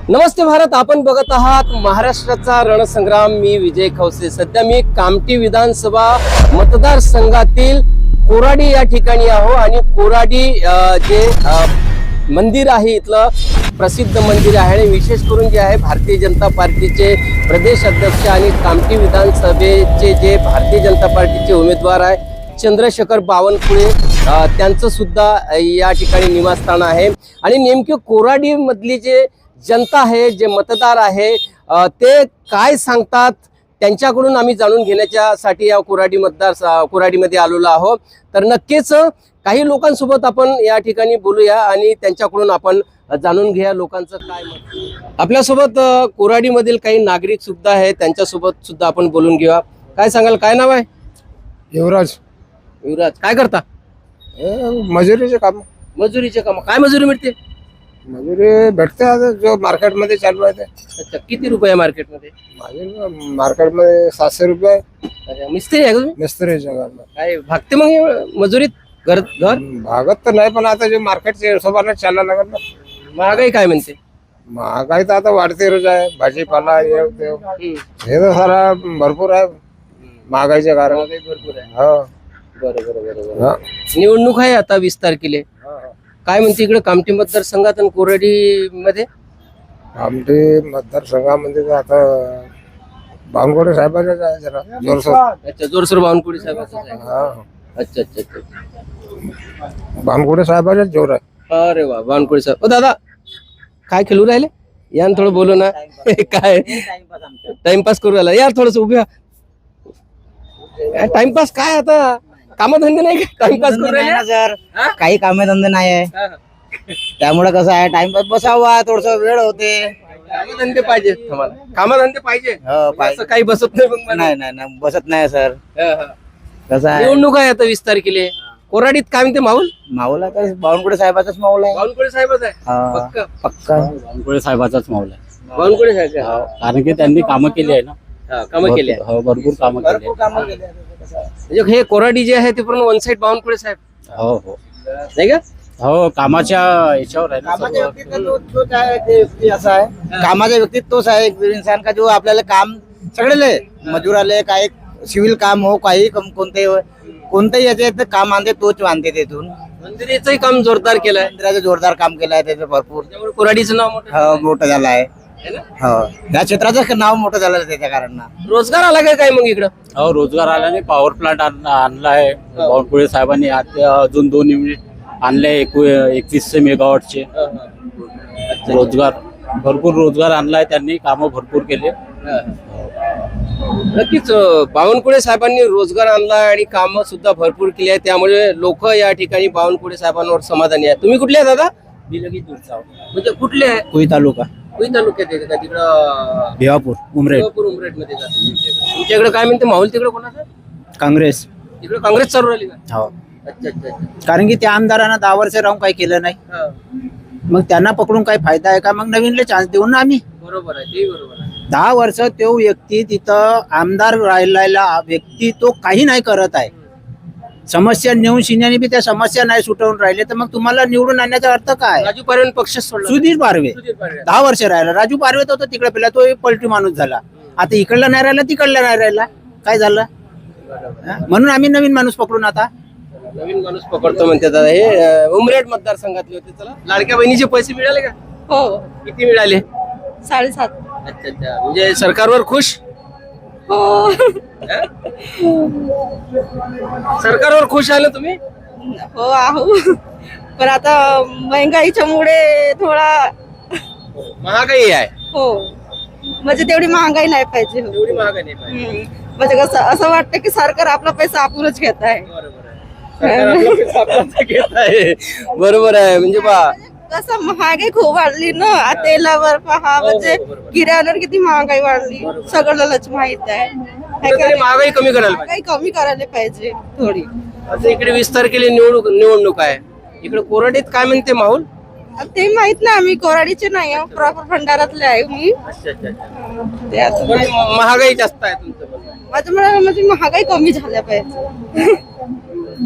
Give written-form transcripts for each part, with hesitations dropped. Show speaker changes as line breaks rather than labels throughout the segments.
नमस्ते भारत, आपण बघत आहात महाराष्ट्राचा रणसंग्राम. मी विजय खवसे. सध्या मी कामठी विधानसभा मतदारसंघातील कोराडी या ठिकाणी आहो आणि कोराडी जे मंदिर आहे इथलं प्रसिद्ध मंदिर आहे आणि विशेष करून जे आहे भारतीय जनता पार्टीचे प्रदेश अध्यक्ष आणि कामठी विधानसभेचे जे भारतीय जनता पार्टीचे उमेदवार आहे चंद्रशेखर बावनकुळे त्यांचं सुद्धा या ठिकाणी निवासस्थान आहे. आणि नेमके कोराडी मधली जे जनता आहे, जे मतदार आहे, ते काय सांगतात त्यांच्याकडून आम्ही जाणून घेण्यासाठी या कोराडीमध्ये आलेलो आहोत. तर नक्कीच काही लोकांसोबत आपण या ठिकाणी बोलूया आणि त्यांच्याकडून आपण जाणून घ्या लोकांचं काय मत. आपल्यासोबत कोराडीमधील काही नागरिक सुद्धा आहेत, त्यांच्यासोबत सुद्धा आपण बोलून घेऊया. काय सांगाल, काय नाव आहे?
युवराज.
युवराज, काय करता?
मजुरीचे काम.
मजुरीचे काम. काय मजुरी मिळते?
मजुरी भेटते आता जो मार्केट मध्ये चालू आहे ते.
अच्छा, किती रुपये मार्केटमध्ये?
माझे मार्केट मध्ये 700 रुपये.
अच्छा, मिस्त्री आहे का तुम्ही?
मिस्त्रीच्या घरला
काय भागते मग मजुरीत? घर
भागत तर नाही, पण आता जे मार्केटच्या हिशोबाने चालायला लागत ना.
महागाई काय म्हणते?
महागाई तर आता वाढते रोज आहे. भाजीपाला हे तर सारा भरपूर आहे महागाईच्या कारण.
भरपूर आहे.
हो
बरोबर. निवडणूक आहे आता 20 तारखेला. काय म्हणते इकडे कामठी मतदारसंघात आणि कोराडी मध्ये?
आमचे मतदारसंघामध्ये तर आता बावनकुळे साहेबांचं आहे जरा जोरसोर.
अच्छा, जोरसोर बावनकुळे साहेबांचं आहे.
हा,
अच्छा अच्छा अच्छा.
बावनकुळे साहेबांचा जोर आहे.
अरे वा, बावनकुळे साहेब. ओ दादा, काय खेळू राहिले? या थोडं बोलू ना. काय टाइमपास करू राहिला? यार थोडस उभ्या. टाइमपास काय आता? कामधंदे नाही का? टाइमपास करू राहिले
सर? काही कामधंदे नाही आहे, त्यामुळे कसं आहे टाइमपास बसावा, थोडस वेळ होते.
कामधंदे पाहिजे तुम्हाला? कामधंदे पाहिजे. असं काही बसत नाही मग मला.
नाही नाही नाही, बसत नाही सर. कसं आहे,
निवडणूक आहे आता 20 तारखेला. कोराडीत काय म्हणते माहोल?
माहोल आहे तर बावनकुळे साहेबाचाच माहोल आहे.
बावनकुळे साहेबच आहे.
हा,
पक्का
पक्का
बावनकुळे साहेबाचाच माहोल आहे.
बावनकुळे साहेब.
कारण की त्यांनी कामं केली आहे ना.
कामं केली आहे.
हो, भरपूर कामं केली आहे.
म्हणजे हे कोराडी जे आहे ते पूर्ण वन साइड बावनकुळे साहेब
हो हो
नाही का?
हो, कामाच्या याच्यावर आहे ना
कामाच्या
सर्व.
व्यक्तीत तोच आहे, ते व्यक्ती असा आहे. कामाच्या व्यक्तीत तोच आहे एक इंसान का जो आपल्याला काम सगळे मजूर आले, काय सिव्हिल काम हो, काही कोणतेही याचे काम आणते तोच आणते. तिथून
मंदिराचंही काम जोरदार केलंय.
मंदिराचं जोरदार काम केलं आहे त्याचं भरपूर.
त्यामुळे कोराडीचं नाव मोठं
हो, मोठं झालं आहे.
आहे ना?
हो, या क्षेत्राचं नाव मोठं झालं आहे त्याच्या कारण.
रोजगार आला काय मग इकडं?
हो, रोजगार आल्याने पॉवर प्लांट आणला आहे बावनकुळे साहेबांनी. आता अजून 2 युनिट आणले 2100 मेगावॉटचे. रोजगार भरपूर रोजगार आणलाय त्यांनी, कामं भरपूर केले.
नक्कीच बावनकुळे साहेबांनी रोजगार आणला आणि कामं सुद्धा भरपूर केली आहे. त्यामुळे लोक या ठिकाणी बावनकुळे साहेबांवर समाधानी आहे. तुम्ही कुठले आहे दादा? म्हणजे कुठले आहे?
कोई तालुका,
कोई तालुक्यात आहे का? तिकडं
भिवापूर, उमरेड,
उमरेड मध्ये जाते. तुमच्याकडे काय म्हणते माहोल तिकडे कोणाचं?
काँग्रेस.
तिकडे काँग्रेस चालू राहिली का?
हो,
अच्छा अच्छा अच्छा.
कारण की त्या आमदारांना 10 वर्ष राहून काही केलं नाही.
हा,
मग त्यांना पकडून काही फायदा आहे का? मग नवीनले चान्स देऊ ना आम्ही.
बरोबर आहे, ते बरोबर आहे.
10 वर्ष तो व्यक्ती तिथं आमदार राहिलेला व्यक्ती तो काही नाही करत आहे. समस्या नेऊन शिन्याने बी त्या समस्या नाही सुटवून राहिले, तर मग तुम्हाला निवडून आणण्याचा अर्थ काय?
राजू पारवे पक्ष सोडला.
सुधीर पारवे
सुधीर पारवे.
10 वर्ष राहिला. राजू पारवे तर होता तिकडे, पहिला तो पलटी माणूस झाला. आता इकडला नाही राहिला, तिकडला नाही राहिला. काय झालं? हा? म्हणून आम्ही नवीन माणूस पकडून आता
नवीन माणूस पकडतो म्हणते दादा. हे उमरेड मतदारसंघातले होते. चला, लाडक्या बहिणीचे पैसे मिळाले का?
हो,
किती मिळाले?
7.5.
अच्छा अच्छा. म्हणजे सरकारवर खुश?
हो,
सरकारवर खुश आहे ना तुम्ही?
हो आहो. पण आता महंगाईच्या मुळे थोडा
महागाई आहे.
हो, म्हणजे तेवढी महागाई नाही पाहिजे.
एवढी महागाई नाही पाहिजे.
म्हणजे कसं असं वाटतं की सरकार आपला पैसा आपणच घेत आहे.
बरोबर आहे. सरकार आपला पैसा आपलाच घेत आहे. बरोबर आहे. म्हणजे बा
कसं महागाई खूप वाढली ना. तेलावर पहा, म्हणजे किराण्यावर किती महागाई वाढली, सगळ्यालाच माहित आहे.
कुठेतरी महागाई कमी करायला पाहिजे.
महागाई कमी करायला पाहिजे थोडी.
आता इकडे 20 तारखेला निवडणूक आहे. इकडे कोराडीत काय म्हणते माहोल?
ते माहित नाही, आम्ही कोराडीचे नाही, प्रॉपर भंडारातले आहे मी.
अच्छा अच्छा अच्छा.
ते आता
पण महागाई जास्त आहे तुमचं.
माझं म्हणणं म्हणजे महागाई कमी झाल्या पाहिजे.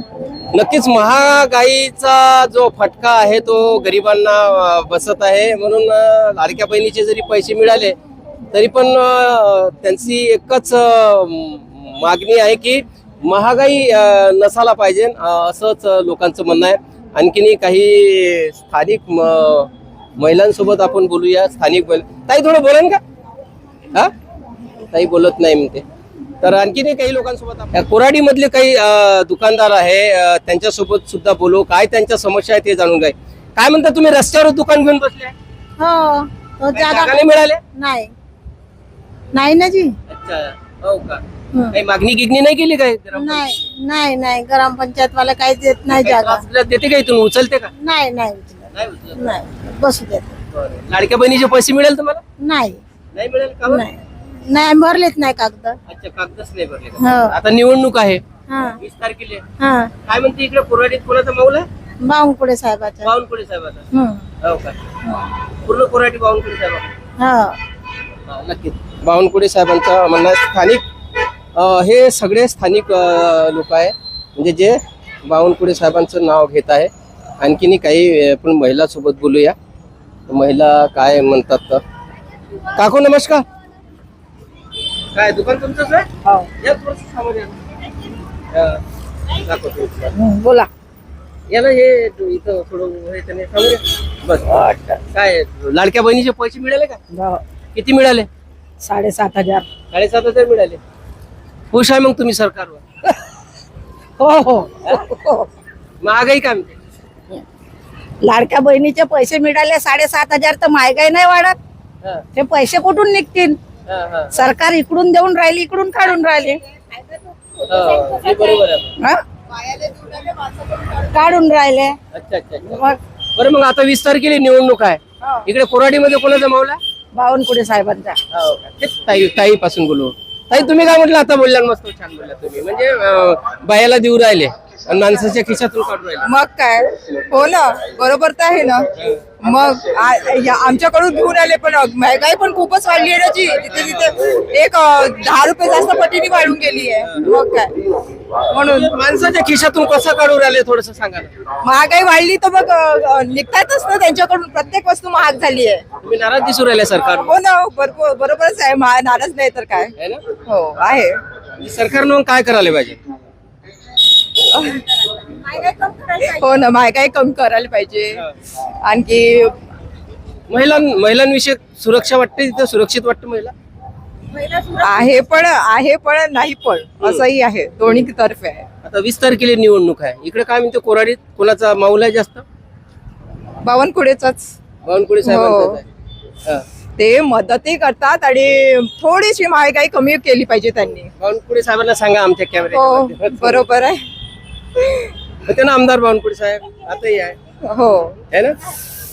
नक्कीच महागाईचा जो फटका आहे तो गरिबांना बसत आहे. म्हणून लाडक्या बहिणीचे जरी पैसे मिळाले तरी पण त्यांची एकच मागणी आहे की महागाई नसायला पाहिजे, असंच लोकांचं म्हणणं आहे. आणखीनही काही स्थानिक महिलांसोबत आपण बोलूया. स्थानिक ताई थोडं बोलेन का? हा ताई बोलत नाही म्हणते. तर आणखीनही काही लोकांसोबत कोराडी मधले काही दुकानदार आहे त्यांच्यासोबत सुद्धा बोलू. काय त्यांच्या समस्या आहे ते जाणून घ्या. काय म्हणता तुम्ही रस्त्यावर दुकान घेऊन बसले?
हो तो
काही
जागा
जागा नाही मिळाले?
नाही नाही ना जी
अच्छा, हो का? काही मागणी गिगणी नाही केली काय?
नाही नाही नाही ग्रामपंचायत वाला काही देत नाही जागा
देते का इथून? उचलते का?
नाही नाही उचलत.
नाही उचलत.
नाही बसू देत
बरं. लाडक्या बहिणीचे पैसे मिळेल तुम्हाला?
नाही
नाही मिळेल का बरं?
नाही नाही भरलेच नाही कागद.
अच्छा, कागदच नाही भरले का?
हो.
आता निवडणूक आहे
हा
20 तारखेला.
हा
काय म्हणते इकडे कोराडीत कोणाचा माऊल आहे?
बावनकुळे साहेबाचा.
बावनकुळे साहेबाचा.
हम्म.
हो का? पूर्ण कोराडी बावनकुळे साहेब.
हो
नक्कीच बावनकुळे साहेबांचं म्हणणं आहे. स्थानिक हे सगळे स्थानिक लोक आहे म्हणजे जे बावनकुळे साहेबांचं नाव घेत आहे. आणखीन काही आपण महिला सोबत बोलूया. महिला काय म्हणतात तर. काकू नमस्कार. काय दुकान तुमचंच आहे? या थोडंसं समोर या. दाखव तुम्ही.
बोला.
या ना हे इथं थोडं हे त्याने समोर या. बस. काय लाडक्या बहिणीचे पैसे मिळाले का? किती मिळाले?
7,500.
7,500 मिळाले. खुश आहे मग तुम्ही सरकारवर?
हो हो
महागाई काय म्हणते?
लाडक्या बहिणीचे पैसे मिळाले 7,500 तर महागाई नाही वाढत.
हा,
ते पैसे कुठून निघतील?
हा, हा.
सरकार इकडून देऊन राहिली इकडून काढून राहिले.
हो, हे बरोबर आहे.
हा? काढून राहिले.
अच्छा अच्छा अच्छा.
मग
बरं मग आता 20 तारखेला निवडणूक आहे. इकडे कोराडीमध्ये कोणाचा मावला?
बावनकुळे साहेबांचा.
ताई ताई पासून बोलू. ताई तुम्ही काय म्हटलं आता? बोलल्या मस्त छान बोलल्या तुम्ही. म्हणजे बायाला देऊ राहिले आणि माणसाच्या खिशातून काढून राहिले.
मग काय हो ना, बरोबर तर आहे ना. मग आमच्याकडून घेऊन आले पण महागाई पण खूपच वाढली आहे ना जी. तिथे तिथे एक 10 रुपये जास्त पटीने वाढून गेली आहे. मग काय म्हणून
माणसाच्या खिशातून कसं काढून राहिले थोडस सांगा ना.
महागाई वाढली तर मग निघतातच ना त्यांच्याकडून. प्रत्येक वस्तू महाग झाली आहे.
तुम्ही नाराज दिसू राहिले सरकार?
हो ना, बरोबरच आहे. नाराज नाही तर काय.
है ना?
हो आहे.
सरकारनं मग काय करायला पाहिजे?
हो ना, महागाई कमी करायला पाहिजे. आणखी
महिलांविषयी सुरक्षा वाटते तिथं? सुरक्षित वाटतं महिला?
आहे पण नाही पण असंही आहे. दोन्ही तर्फे आहे.
आता 20 तारखेला निवडणूक आहे. इकडे काय म्हणते कोराडीत कोणाचा माऊल आहे जास्त?
बावनकुळेचाच.
बावनकुळे साहेबांचा आहे. हा.
ते मदतही करतात आणि थोडीशी महागाई कमी केली पाहिजे त्यांनी.
बावनकुळे साहेबांना सांगा आमच्या
हो
कॅमेरा.
बरोबर आहे.
होते ना आमदार बावनकुळे साहेब, आताही आहे.
हो
है ना?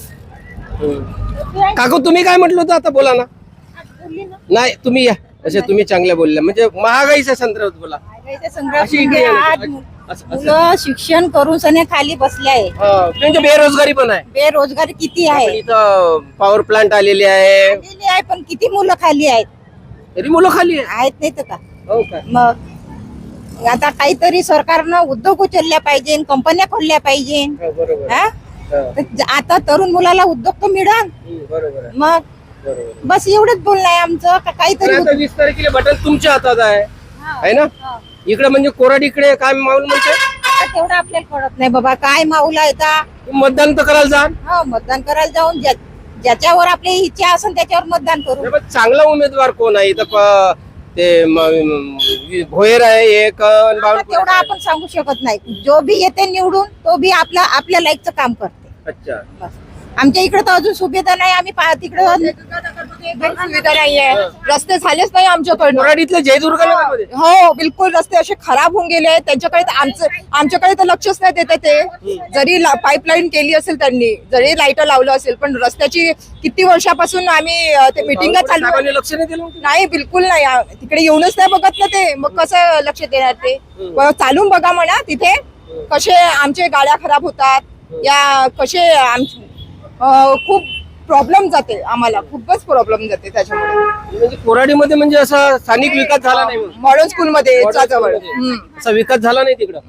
काकू तुम्ही काय म्हटलं होतं आता? बोला ना. नाही तुम्ही या. असे तुम्ही चांगल्या बोलल्या म्हणजे महागाईच्या संदर्भात बोला. अशी इकडे या ना. असं- असं.
मुलं शिक्षण करून सने खाली बसले आहे.
हा, म्हणजे बेरोजगारी पण आहे.
बेरोजगारी किती
आपण
आहे.
इथं पॉवर प्लांट आलेली आहे
आलेली आहे पण किती मुलं खाली आहेत.
तरी मुलं खाली आहे.
आहेत नाही तर का.
हो का?
मग आता काहीतरी सरकारनं उद्योग उचलल्या पाहिजे, कंपन्या खोलल्या पाहिजे.
हो, बरोबर आहे.
हा?
हा.
तर आता तरुण मुलाला उद्योग तर मिळाल.
बरोबर आहे.
मग
बरोबर आहे.
बस एवढंच बोलणं आहे आमचं का
पण
काहीतरी
आता 20 तारखेला बटन तुमच्या हातात आहे ना? इकडे म्हणजे कोराडीकडे काय माऊल म्हणते?
आता तेवढं आपल्याला कळत नाही बाबा काय माऊला येता.
मतदान तर करायला जा.
हो मतदान करायला जाऊन ज्याच्यावर आपली इच्छा असेल त्याच्यावर मतदान करू.
नाही, पण चांगला उमेदवार कोण आहे इथं? ते भोयर आहे एक आणि
आता
बावनकुळे
तेवढं
आहे.
आपण सांगू शकत नाही. जो भी येते निवडून तो भी आपल्या लाईकचं काम करते.
अच्छा.
बस. आमच्या इकडे तर अजून सुविधा नाही. आम्ही तिकडे
सुविधा नाहीये. रस्ते झालेच नाही आमच्याकडनं.
कोराडीतल्या जयदुर्गामध्ये
हो बिलकुल रस्ते असे खराब होऊन गेले आहेत. त्यांच्याकडे तर आमच्याकडे तर लक्षच नाही देते ते. जरी पाईपलाईन केली असेल त्यांनी, जरी लाईट लावलं असेल, पण रस्त्याची किती वर्षापासून आम्ही ते मिटिंगा चालू
साहेबांनी लक्ष नाही दिलं.
नाही, बिलकुल नाही. तिकडे येऊनच नाही बघत ना ते. मग कसं लक्ष देणार ते? चालून बघा म्हणा तिथे कसे आमचे गाड्या खराब होतात. या कसे खूप प्रॉब्लेम जाते आम्हाला, खूपच प्रॉब्लेम जाते त्याच्यामुळे.
म्हणजे कोराडीमध्ये म्हणजे असा स्थानिक विकास झाला नाही म्हणून.
मॉडर्न स्कूलमध्ये
Modern
जवळ
school मध्ये. असा विकास झाला नाही तिकडं.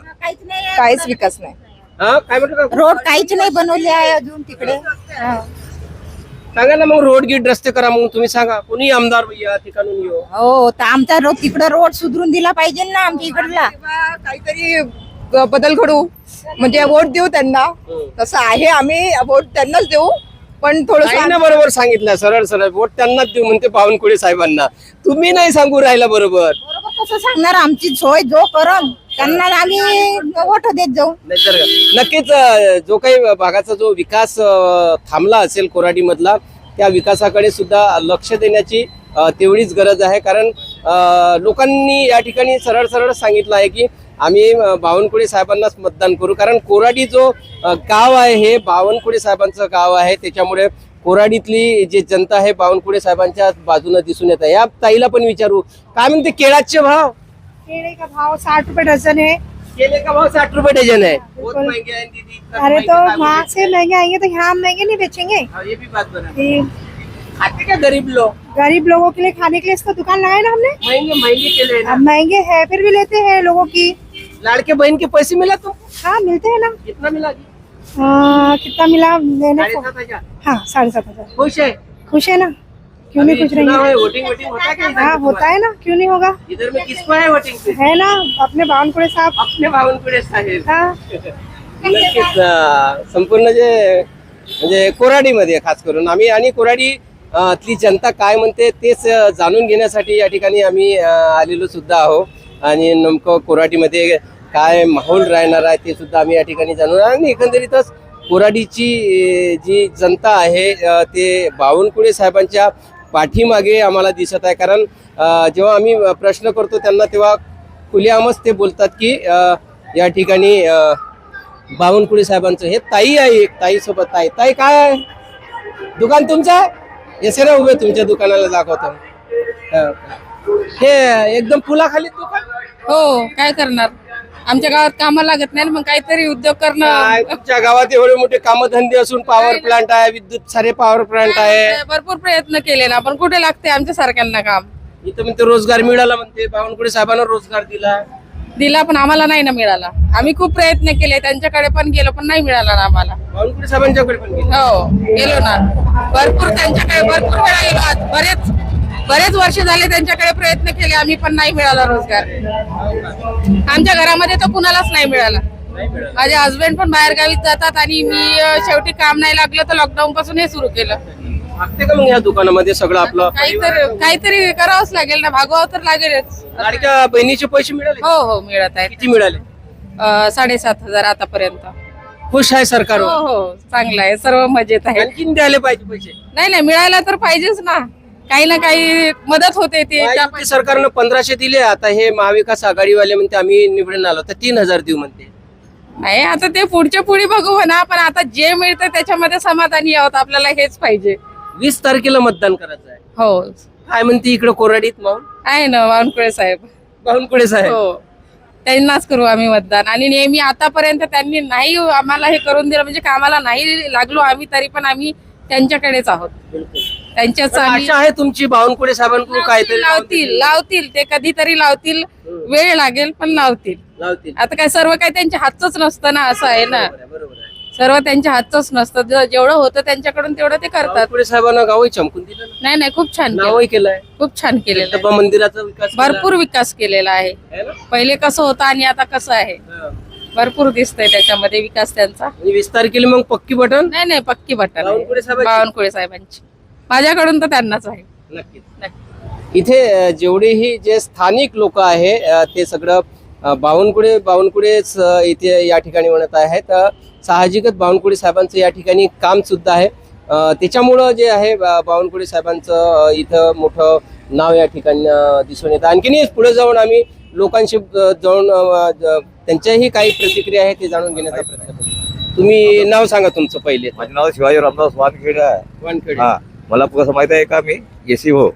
काहीच विकास नाही.
हा काय म्हटलं का?
रोड काहीच नाही बनवले आहे अजून तिकडे. हा.
सांगा ना मग रोड गीट रस्ते करा मग तुम्ही सांगा कोणी आमदार या ठिकाणून येऊ.
हो तर आमचा रोड तिकडे रोड सुधरून दिला पाहिजे ना आमच्या इकडला.
किंवा काहीतरी बदल घडू, म्हणजे वोट देऊ त्यांना. तसं आहे, आम्ही वोट त्यांनाच देऊ, पण थोडस
ताईनं बरोबर सांगितलं, सरळ सरळ वोट त्यांनाच देऊ म्हणते बावनकुळे साहेबांना. तुम्ही नाही सांगू राहिला बरोबर.
बरोबर कसं सांगणार, आमची सोय जो करम त्यांना आम्ही वोट देत जाऊ.
नाहीतर नक्कीच जो काही भागाचा जो विकास थांबला असेल कोराडी मधला, त्या विकासाकडे सुद्धा लक्ष देण्याची तेवढीच गरज आहे. कारण लोकांनी या ठिकाणी सरळ सरळ सांगितलं आहे की आम्ही बावनकुळे साहेबांनाच मतदान करू. कारण कोराडी जो गाव आहे हे बावनकुळे साहेबांचं गाव आहे, त्याच्यामुळे कोराडीतली जी जनता आहे बावनकुळे साहेबांच्या बाजूने दिसून येत आहे. या ताईला पण विचारू, काय म्हणते केळाचे भाव?
केले का भाव 60 रुपए डजन है।
केले का भाव 60 रुपए डजन है. बहुत महंगे हैं दीदी. इतना
अरे
महंगे
तो
दाम
वहाँ
है.
से महंगे आएंगे तो यहाँ हम महंगे नहीं बेचेंगे।
हाँ, ये भी बात बना.
ये
खाते क्या गरीब लोग?
गरीब लोगों के लिए खाने के लिए इसका दुकान लगाए ना हमने।
महंगे केले ना.
अब महंगे है फिर भी लेते हैं लोगों की।
लाड़के बहन के पैसे मिला तुमको?
हाँ मिलते हैं ना।
कितना मिला?
कितना मिला लेने को?
7,500.
हाँ 7,500।
खुश है?
खुश है ना, क्यों नहीं खुश
चुनाव
रहेंगे।
है, वोटिंग वोटिंग होता है क्या इधर?
हाँ होता है ना, क्यों नहीं होगा।
इधर में किसको है वोटिंग पे?
है ना अपने बावनकुळे साहब।
अपने बावनकुळे साहेब.
हाँ
नक्कीच संपूर्ण जे म्हणजे कोराडीमध्ये खास करून आम्ही आणि कोराडी ती जनता काय म्हणते तेच जाणून घेण्यासाठी या ठिकाणी आम्ही आलेलो सुद्धा आहोत. आणि नेमकं कोराडीमध्ये काय माहोल राहणार आहे ते सुद्धा आम्ही या ठिकाणी जाणून, आणि एकंदरीतच कोराडीची जी जनता आहे ते बावनकुळे साहेबांच्या पाठीमागे आम्हाला दिसत आहे. कारण जेव्हा आम्ही प्रश्न करतो त्यांना तेव्हा खुलेआमच ते बोलतात की या ठिकाणी बावनकुळे साहेबांचं हे ताई आहे. एक ताई सोबत ताई. ताई काय आहे? दुकान तुमचं आहे? येसे ना उभे तुमच्या दुकानाला दाखवतो. हे एकदम पुलाखाली दुकान.
हो, काय करणार, आमच्या गावात कामाला लागत नाही, मग काहीतरी उद्योग
काय
करणं.
तुमच्या गावात एवढे मोठे कामधंदे असून पॉवर प्लांट आहे, विद्युत सारे पॉवर प्लांट आहे.
भरपूर प्रयत्न केले ना, पण कुठे लागते आमच्या सारख्यांना काम.
इथं म्हणते रोजगार मिळाला, म्हणते बावनकुळे साहेबांना रोजगार दिला,
पण आम्हाला नाही ना मिळाला. आम्ही खूप प्रयत्न केले, त्यांच्याकडे पण गेलो पण नाही मिळाला ना आम्हाला.
बावनकुळे साहेबांच्याकडे पण गेला.
हो गेलो ना, भरपूर त्यांच्याकडे भरपूर वेळा गेलो. आज बरेच वर्ष झाले त्यांच्याकडे प्रयत्न केले, आम्ही पण नाही मिळाला रोजगार. आमच्या घरामध्ये तर कुणालाच नाही मिळाला. माझे हस्बंड पण बाहेर गावीत जातात आणि मी शेवटी काम नाही लागलं तर लॉकडाऊन पासून हे सुरू केलं.
लागते का मग या दुकानामध्ये सगळं आपलं?
काहीतरी करावंच लागेल ना, भागवावं तर लागेलच.
लाडक्या बहिणीचे पैसे मिळाले?
हो हो मिळत आहे.
किती मिळाले?
7,500 आतापर्यंत.
खुश आहे सरकार?
हो हो चांगलं आहे, सर्व मजेत आहे.
आणखीन द्यायला पाहिजे पैसे.
नाही मिळायला तर पाहिजेच ना, काही ना काही मदत होते ते.
महायुती सरकारनं 1,500 दिले. आता हे महाविकास आघाडीवाले म्हणते आम्ही निवडून आलो तर 3,000 देऊ म्हणते.
नाही आता ते पुढच्या पुढे बघू म्हणा, पण आता जे मिळतं त्याच्यामध्ये समाधानी आहोत, आपल्याला हेच पाहिजे.
20 तारखेला मतदान करायचं आहे.
हो
काय म्हणते इकडे कोराडीत मग?
आहे ना बावनकुळे साहेब.
बावनकुळे साहेब.
हो त्यांनाच करू आम्ही मतदान. आणि नेहमी आतापर्यंत त्यांनी नाही आम्हाला हे करून दिलं, म्हणजे कामाला नाही लागलो आम्ही तरी पण आम्ही त्यांच्याकडेच आहोत. त्यांच्याच
पण
आम्ही
आशा आहे तुमची बावनकुळे साहेबांकडून काहीतरी
लावतील ते कधीतरी लावतील. वेळ लागेल पण लावतील. आता काय सर्व काही त्यांच्या हातच नसतं ना, असं आहे ना,
बरोबर आहे.
सर्व त्यांच्या हातच नसतं. जेवढं होतं त्यांच्याकडून तेवढं ते करतात.
बावनकुळे साहेबांना गावही चमकून दिलं ना.
नाही खूप छान केलं.
नावही केलंय.
खूप छान केलेलं आहे.
दत्तोबा मंदिराचा विकास केला.
भरपूर विकास केलेला आहे.
है ना?
पहिले कसं होतं आणि आता कसं आहे,
हा.
भरपूर दिसतंय त्याच्यामध्ये विकास त्यांचा.
आणि 20 तारखेला मग पक्की बटन.
नाही पक्की बटन
बावनकुळे साहेबांची?
बावनकुळे साहेबांची. माझ्याकडून तर त्यांनाच आहे.
नक्कीच. इथे जेवढेही जे स्थानिक लोक आहे ते सगळं बावनकुळेच इथे या ठिकाणी म्हणत आहेत. साहजिकच बावनकुळे साहेबांचं या ठिकाणी काम सुद्धा आहे. त्याच्यामुळं जे आहे बावनकुळे साहेबांचं इथं मोठं नाव या ठिकाणी दिसून येतं. आणखीन पुढे जाऊन आम्ही लोकांशी जाऊन त्यांच्याही काही प्रतिक्रिया आहे ते जाणून घेण्याचा प्रयत्न करू. तुम्ही नाव सांगा तुमचं पहिले.
माझं नाव शिवाजी रामदास वानखेडे आहे.
वानखेडे.
हा, मला कसं माहित आहे का, मी एसी हो.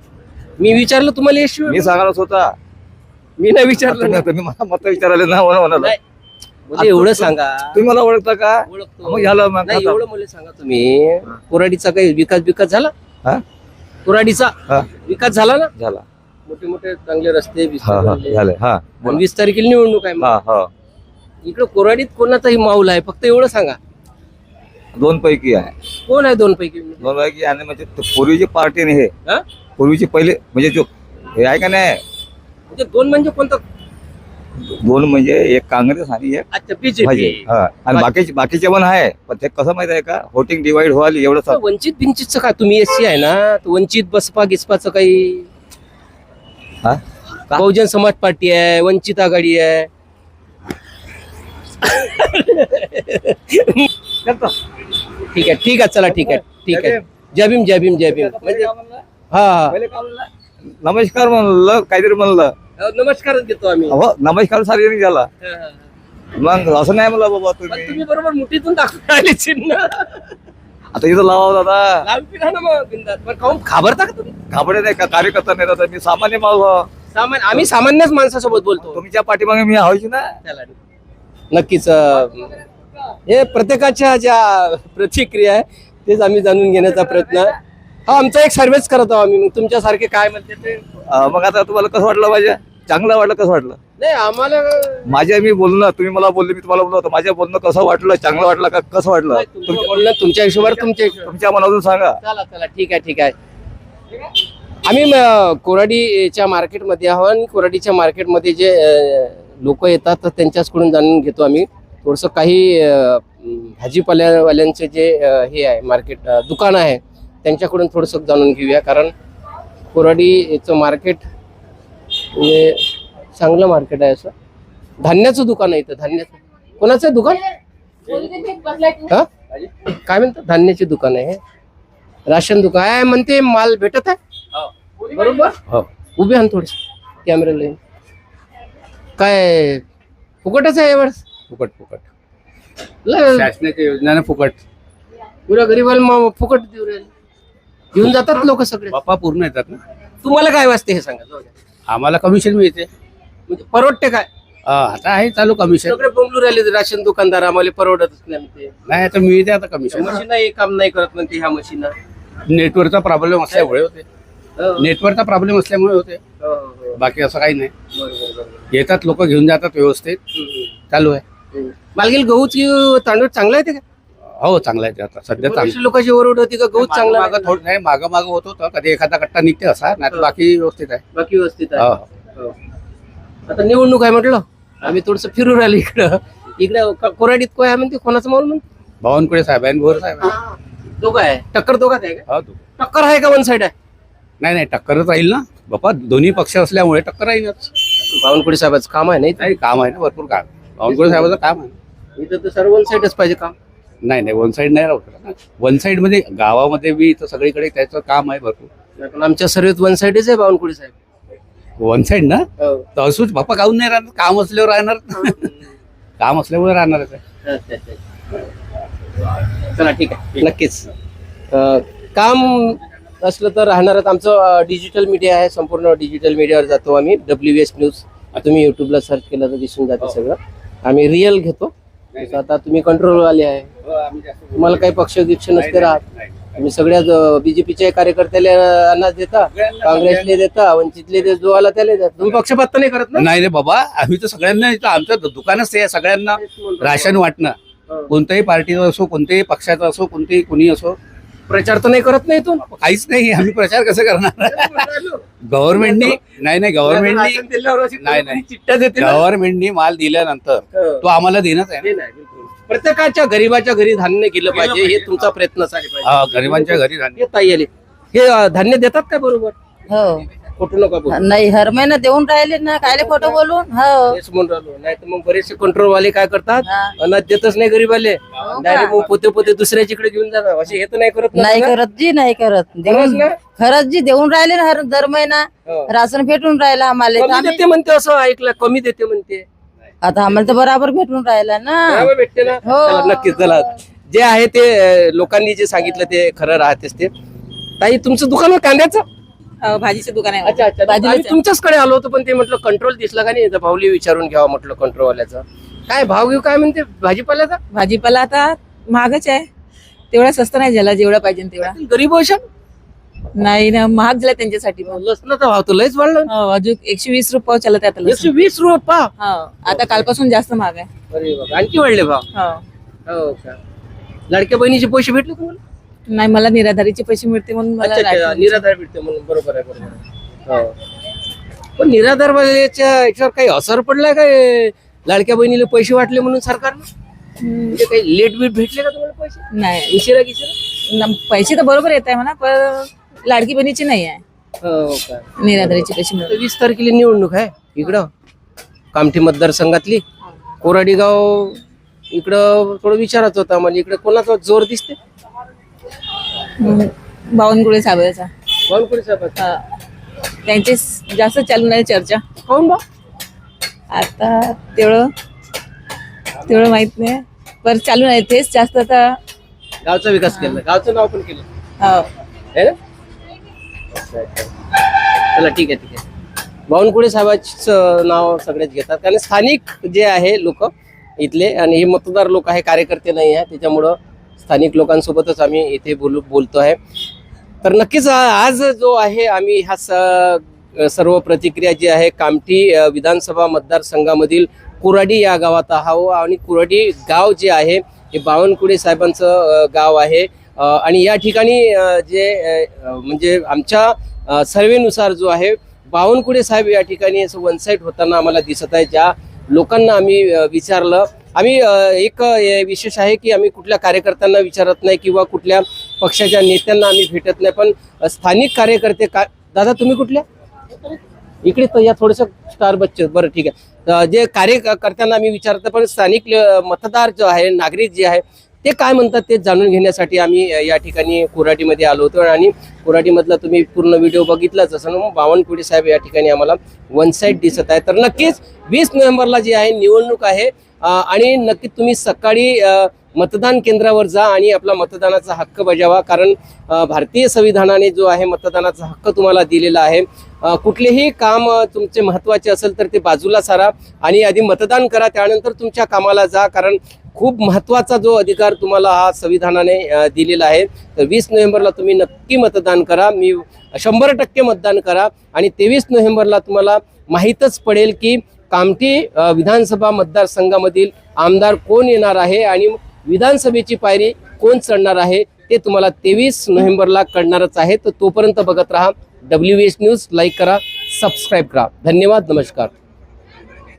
मी विचारलं तुम्हाला यशवी?
मी सांगणार होता.
मी नाही विचारलं ना.
तुम्ही मला मत विचारायला ना म्हणाला.
नाही. म्हणजे एवढं सांगा.
तुम्ही मला ओळखता का?
ओळखतो.
मग झालं मग
नाही
आता.
एवढं मला सांगा तुम्ही कोराडीचा काही विकास झाला?
हा?
कोराडीचा
हा.
विकास झाला ना?
झाला.
मोठे मोठे चांगले रस्ते
हा हा झाले. हा
आणि 20 तारखेला निवडणूक आहे.
हा हा
इकडे कोराडीत कोणाचाही माऊल आहे फक्त एवढं सांगा.
दोन पैकी आहे.
कोण आहे दोन पैकी?
दोन पैकी आणि म्हणजे पूर्वीची पार्टी नाही हे
हा?
पूर्वीची पहिले म्हणजे जो हे आहे का नाही
म्हणजे दोन म्हणजे कोणतं?
दोन म्हणजे एक काँग्रेस आणि एक
अच्छा
भाजप.
बीजेपी.
हा आणि बाकीचे पण आहे पण ते कसं माहित आहे का वोटिंग डिवाइड व्हायला एवढं
वंचित बिंचितचं काय तुम्ही एससी आहे ना तर वंचित बसपा गिसपाचं काही
हा? का?
बहुजन समाज पार्टी आहे वंचित आघाडी आहे. ठीक आहे चला ठीक आहे जय भीम म्हणजे हा
नमस्कार म्हणलं काहीतरी म्हणलं
नमस्कारच देतो आम्ही.
हो नमस्कार सार्वजनिक झाला मग असं नाही म्हणलं बाबा
पण
तुम्ही
तुम्ही बरोबर मुठीतून दाखवून राहिले चिन्ह.
आता इथं लावा दादा
लांबी राहा ना मग बिनधास्त. पण काहून घाबरता का तुम्ही?
घाबरे नाही का कार्यकर्ता नाही दादा मी सामान्य माणूस
आम्ही सामान्यच माणसासोबत बोलतो.
तुमच्या पाठीमागे मी हवायची ना
चला. नक्कीच हे प्रत्येकाच्या ज्या प्रतिक्रिया आहे तेच आम्ही जाणून घेण्याचा प्रयत्न हा आमचा एक सर्वेच करत आहोत आम्ही. मग तुमच्यासारखे काय म्हणते ते
मग आता तुम्हाला कसं वाटलं माझ्या चांगलं वाटलं कसं वाटलं
नाही आम्हाला
माझ्या मी बोलणं तुम्ही मला बोलले मी तुम्हाला बोललो होतो माझ्या बोलणं कसं वाटलं चांगलं वाटलं का कसं वाटलं
तुमचं बोलणं तुमच्या हिशोबावर तुमच्या हिशोबावर.
तुमच्या मनातून सांगा.
चला ठीक आहे आम्ही कोराडीच्या मार्केटमध्ये आहोत आणि कोराडीच्या मार्केटमध्ये जे लोक येतात तर त्यांच्याचकडून जाणून घेतो आम्ही थोडंसं काही भाजीपाल्यावाल्यांचे जे हे आहे मार्केट दुकान आहे त्यांच्याकडून थोडंसं जाणून घेऊया कारण कोराडीचं मार्केट म्हणजे चांगलं मार्केट आहे असं धान्याचं दुकान आहे इथं धान्याचं कोणाचं आहे दुकान हा काय म्हणतात धान्याचे दुकान आहे राशन दुकान आहे म्हणते माल भेटत आहे बरोबर
हो.
उभे आण थोडस कॅमेरा लाईन काय फुकटच आहे यावेळेस
फुकट
लय
शासनाच्या योजनाने फुकट
पुऱ्या गरीबाला फुकट देऊ राहिले घेऊन जातात लोक सगळे
बाप्पा पूर्ण येतात ना
तुम्हाला काय वाजते हे सांगा जाऊ द्या.
आम्हाला कमिशन मिळते
म्हणजे परवडते काय
आता आहे चालू कमिशन
सगळे बोंबलू राहिले राशन दुकानदार आम्हाला परवडतच नाही म्हणते
नाही आता मिळते आता कमिशन
मशीन काम नाही करत म्हणते ह्या मशीन
नेटवर्कचा प्रॉब्लेम असल्यामुळे होते नेटवर्कचा प्रॉब्लेम असल्यामुळे होते बाकी असं काही नाही येतात लोक घेऊन जातात व्यवस्थित चालू आहे
मालगील गहूच की तांदूळ चांगला आहे ते का
हो चांगला आहे ते आता सध्या चांगलं
लोकांची ओरड होती का गहूच चांगला
मागं थोडं नाही मागं होत होतं कधी एखादा कट्टा निघते असा नाही तर बाकी व्यवस्थित आहे
बाकी व्यवस्थित
हो.
आहे हो. आता निवडणूक आहे म्हटलं आम्ही थोडस फिरू राहिलो इकडं कोराडीत काय आहे म्हणते कोणाचं माहोल म्हणते
बावनकुळे साहेब आहे आणि भोर साहेब आहे.
दोघं आहे टक्कर दोघात आहे का
हो,
टक्कर आहे का वन साइड आहे
नाही टक्करच राहील ना बाप्पा दोन्ही पक्ष असल्यामुळे टक्कर राहीलच
बावनकुळे साहेबाचं काम आहे नाही
नाही काम आहे ना भरपूर काम बावनकुळे साहेबाचं काम आहे
इथं तर सर्व वन साइडच पाहिजे काम
नाही वन साईड नाही राहू शकत ना वन साईड मध्ये गावामध्ये बी इथं सगळीकडे त्याचं काम आहे भरपूर
पण आमच्या सर्वेत वन साइडच आहे बावनकुळे साहेब
वन साईड ना
हो.
तर असूच बाप्पा काहून नाही राहणार काम असल्यावर राहणार काम असल्यामुळे राहणारच आहे
चला ठीक आहे नक्कीच काम असलं तर राहणारच आमचं डिजिटल मीडिया आहे संपूर्ण डिजिटल मीडियावर जातो आम्ही WS न्यूज तुम्ही युट्यूबला सर्च केलं तर दिसून जाते सगळं आम्ही रिअल घेतो आता तुम्ही कंट्रोल वाले आहे तुम्हाला काही पक्ष गिक्ष नसते राहत तुम्ही सगळ्या बीजेपीच्या कार्यकर्त्याला अनाज देता काँग्रेसले देता वंचितले जो आला त्याला देता तुम्ही पक्षपात तर नाही करत ना
नाही रे बाबा आम्ही तर सगळ्यांना इथं आमचं दुकानच ते आहे सगळ्यांना राशन वाटणं कोणत्याही पार्टीचं असो कोणत्याही पक्षाचं असो कोणतेही कुणी असो
प्रचार तर नाही करत नाही इथून
काहीच नाही आम्ही प्रचार कसं करणार गव्हर्नमेंटनी नाही गव्हर्नमेंटनी
चिठ्ठ्या देते ना.
गव्हर्नमेंटनी माल दिल्यानंतर तो आम्हाला देणंच आहे
ते नाही, बिलकुल. प्रत्येकाच्या गरीबाच्या घरी धान्य गेलं पाहिजे हे तुमचा प्रयत्न असायला पाहिजे
हा, गरिबांच्या घरी धान्य.
हे ताई आले हे धान्य देतात का बरोबर
हो
खोटं नका बोलू.
नाही हर महिना देऊन राहिले ना कायले खोटं बोलून हो
तेच म्हणून राहिलो नाही तर मग बरेचसे कंट्रोल वाले काय करतात
हा.
अनाज देतच नाही गरीबाले
का?
डायरेक्ट मग पोते दुसऱ्याच्याकडे घेऊन जातात असे हे तर नाही करत ना
नाही
तुला?
करत जी नाही करत
खरंच
देऊन
ना?
खरंच जी देऊन राहिले ना दर महिना
हो.
राशन भेटून राहिला आम्हाला तर
कमी
आम्ही-
देते म्हणते असं ऐकलं कमी देते म्हणते
आता आम्हाला तर बराबर भेटून राहिला ना
बरोबर भेटते ना
हो.
चला, नक्कीच चला जे आहे ते लोकांनी जे सांगितलं ते खरं राहतेच ते ताई तुमचं दुकान आहे कांद्याचं
भाजीचं दुकान आहे
अच्छा आम्ही तुमच्याचकडे आलो होतो पण ते म्हटलं कंट्रोल दिसला का नाही भाऊली विचारून घ्यावा म्हटलं कंट्रोल वाल्याचा काय भाव घेऊ काय म्हणते भाजीपाल्याचा?
भाजीपाला आता महागच आहे, तेवढा स्वस्त नाही झाला जेवढा पाहिजे तेवढा.
गरीब अशा
नाही ना, महाग झाला त्यांच्यासाठी पण.
लसणाचा भाव तर लयच वाढला.
हो, अजून 120 रुपये चालत आहे आता लसूण.
120 रुपये पाव.
हो, आता कालपासून जास्त महाग आहे.
अरे बाबा, आणखी वाढले भाव.
हो.
हो का? लाडक्या बहिणीचे पैसे भेटले तुम्हाला?
नाही, मला निराधारीचे पैसे मिळते म्हणून मला
अच्छा, अच्छा,
लाडकी
निराधार भेटते म्हणून. बरोबर आहे, बरोबर आहे. हो. पण निराधार वाल्याच्या याच्यावर काही असर पडलाय काय? लाडक्या बहिणीला पैसे वाटले म्हणून सरकारनं म्हणजे काही लेट बीट भेटले का तुम्हाला पैसे?
नाही.
उशिरा गिशिरा?
पैसे तर बरोबर येत आहे म्हणा, पण लाडकी बहिणीची नाही आहे.
हो का?
निराधारीचे पैसे मिळते.
20 तारखेला निवडणूक आहे इकडं कामठी मतदारसंघातली. कोराडी गाव इकडं थोडं विचारायचं होतं आम्हाला. इकडे कोणाचा जोर दिसते?
बावनकुळे साहेबाचा.
बावनकुळे साहेबाचा.
त्यांचे जास्त चालू नाही चर्चा.
कोण बा?
आता तेवढं माहित नाही, पण चालू नाही तेच जास्त आता.
गावचा विकास केला, गावचं नाव पण केलं
हो.
है ना? चला ठीक आहे, ठीक आहे. बावनकुळे साहेबांचं नाव सगळेच घेतात कारण स्थानिक जे आहे लोक इथले, आणि हे मतदार लोक आहे, कार्यकर्ते नाही आहे, त्याच्यामुळं स्थानिक लोकांसोबतच आम्ही इथे बोलतो आहे. तर नक्कीच आज जो आहे आम्ही ह्या सर्व प्रतिक्रिया जी आहे कामठी विधानसभा मतदारसंघामधील कुराडी या गावात आहोत. आणि कुराडी गाव जे आहे हे बावनकुळे साहेबांचं गाव आहे. आणि या ठिकाणी जे म्हणजे आमच्या सर्वेनुसार जो आहे बावनकुळे साहेब या ठिकाणी असं वन साईड होताना आम्हाला दिसत आहे. ज्या लोकांना आम्ही विचारलं, आम्ही एक विशेष आहे की आम्ही कुठल्या कार्यकर्त्यांना विचारत नाही किंवा कुठल्या पक्षाच्या नेत्यांना आम्ही भेटत नाही, पण स्थानिक कार्यकर्ते दादा तुम्ही कुठल्या इकडे तर या थोडंसं स्टार बच्चे बरं ठीक आहे. जे कार्यकर्त्यांना आम्ही विचारतो, पण स्थानिक मतदार जो आहे नागरिक जे आहे ते काय म्हणतात ते जाणून घेण्यासाठी आम्ही या ठिकाणी कोराडीमध्ये आलो होतो. आणि कोराडीमधला तुम्ही पूर्ण व्हिडिओ बघितलाच असं ना, बावनकुळे साहेब या ठिकाणी आम्हाला वन साईड दिसत आहे. तर नक्कीच 20 नोव्हेंबरला जी आहे निवडणूक आहे आणि नक्कीच तुम्ही सकाळी मतदान केंद्रावर जा आणि आपला मतदानाचा हक्क बजावा. कारण भारतीय संविधानाने जो आहे मतदानाचा हक्क तुम्हाला दिलेला आहे. कुठलेही काम तुमचे महत्त्वाचे असेल तर ते बाजूला सारा आणि आधी मतदान करा, त्यानंतर तुमच्या कामाला जा. कारण खूप महत्त्वाचा जो अधिकार तुम्हाला हा संविधानाने दिलेला आहे. तर 20 नोव्हेंबरला तुम्ही नक्की मतदान करा. 100% मतदान करा. आणि 23 नोव्हेंबरला तुम्हाला माहीतच पडेल की कामठी विधानसभा मतदारसंघामधील आमदार कोण येणार आहे आणि विधानसभेची पायरी कोण चढणार आहे ते तुम्हाला 23 नोव्हेंबरला कळणारच आहे. तर तोपर्यंत बघत राहा WH न्यूज. लाईक करा, सबस्क्राईब करा. धन्यवाद, नमस्कार.